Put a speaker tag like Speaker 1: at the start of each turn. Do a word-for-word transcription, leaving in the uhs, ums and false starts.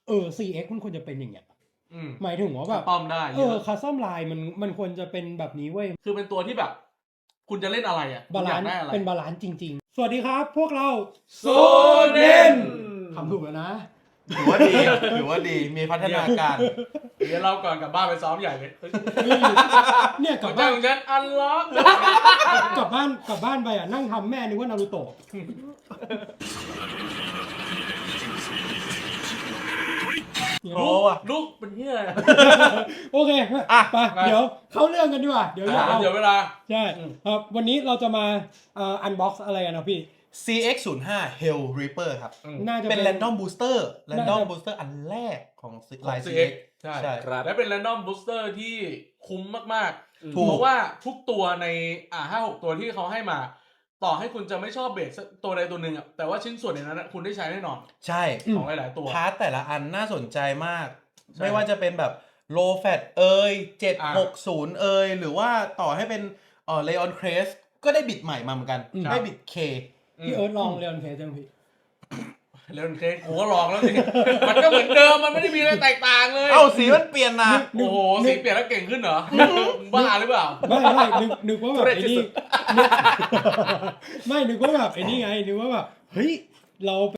Speaker 1: เออ ซี เอ็กซ์ มันควรจะเป็นอย่างเงี้ย
Speaker 2: อืม
Speaker 1: หมายถึงว่าแบบ
Speaker 2: ต้อมได้
Speaker 1: เออคัสตอมไลน์มันมันควรจะเป็นแบบนี้เว้ย
Speaker 2: คือเป็นตัวที่แบบ คุณจะเล่นอะไรอ่ะ
Speaker 1: บาลานซ์
Speaker 2: ได้อะไร
Speaker 1: เป็นบาลานซ์จริงๆ สวัสดีครับพวกเรา
Speaker 2: โซเน่น
Speaker 1: ทำถูกแล้วนะ
Speaker 3: ถือว่าดี ถือว่าดี มีพัฒนาการ
Speaker 2: เดี๋ยวเราก่อนกลับบ้านไปซ้อมใหญ่เลย
Speaker 1: เนี่ยก
Speaker 2: ก
Speaker 1: ลั
Speaker 2: ลั
Speaker 1: บบ บ้า
Speaker 2: บ้าน นของฉันอันล็อก
Speaker 1: กลับบ้านกลับบ้านไปอ่ะนั่งทำแม่นึกว่านารูโตะ
Speaker 3: โอ้ว่ะ
Speaker 2: ลูกเป็นเหี้ยอะไร
Speaker 1: โอเค
Speaker 3: อ่ะ
Speaker 1: ไปเดี๋ยวเข้าเรื่องกันดีกว่าเดี๋ยวยาว
Speaker 2: เดี๋ยวเวลา
Speaker 1: ใช่ครับวันนี้เราจะมาเอ่ออันบ็อกซ์อะไรกันนะพี่
Speaker 3: ซี เอ็กซ์ ศูนย์ห้า Hell Reaper ครับ
Speaker 1: น่าจะ
Speaker 3: เป็น
Speaker 1: เป็น
Speaker 3: Random Booster
Speaker 1: น่า
Speaker 3: Random
Speaker 1: จะ
Speaker 3: Booster อันแรกของ
Speaker 2: ของ
Speaker 3: ลาย
Speaker 2: ซี
Speaker 3: ซี
Speaker 2: เอ็
Speaker 3: เอ็
Speaker 2: ก
Speaker 3: ก
Speaker 2: ซ์
Speaker 3: ซ์
Speaker 2: ใช่
Speaker 3: ใช่
Speaker 2: ครับและเป็น Random Booster ที่คุ้มมาก
Speaker 3: ถู
Speaker 2: ๆ
Speaker 3: ก
Speaker 2: เพราะว่าทุกตัวในอ่าห้าหกตัวที่เขาให้มา ต่อให้คุณจะไม่ชอบเบสตัวใดตัวหนึ่งอ่ะแต่ว่าชิ้นส่วนในนั้นอะคุณได้ใช้แน่นอน
Speaker 3: ใช่
Speaker 2: ของหลายๆตัว
Speaker 3: พาร์ทแต่ละอันน่าสนใจมาก
Speaker 2: ใช่
Speaker 3: ไม่ว่าจะเป็นแบบ low fat เอ่ยเจ็ด
Speaker 2: อ่า
Speaker 3: หกศูนย์เอ่ยหรือว่าต่อให้เป็นเอ่อ Leon Crest ก็ได้บิดใหม่มาเหมือนกัน
Speaker 1: อืม
Speaker 3: ได้บิด K
Speaker 1: พี่เอิร์ธลองเรียนเคสยังพี่
Speaker 2: เล่นเคสกูก็ลองแล้วสิ มันก็เหมือนเดิมมันไม่ได้มีอะไรแตกต่างเลย
Speaker 3: เอ้าสีมันเปลี่ยนนะ
Speaker 2: โอ้โหสีเปลี่ยนแล้วเก่งขึ้นเหรอ บ้าหรือเปล่า
Speaker 1: ไม่ไม่นึกนึกว่าแบบ
Speaker 2: ทุเรศ
Speaker 1: ไอ้
Speaker 2: ที่
Speaker 1: นี่
Speaker 2: สุด
Speaker 1: นึก ไม่นึกว่าแบบไอ้นี่ไงนึกว่าแบบเฮ้ยเรา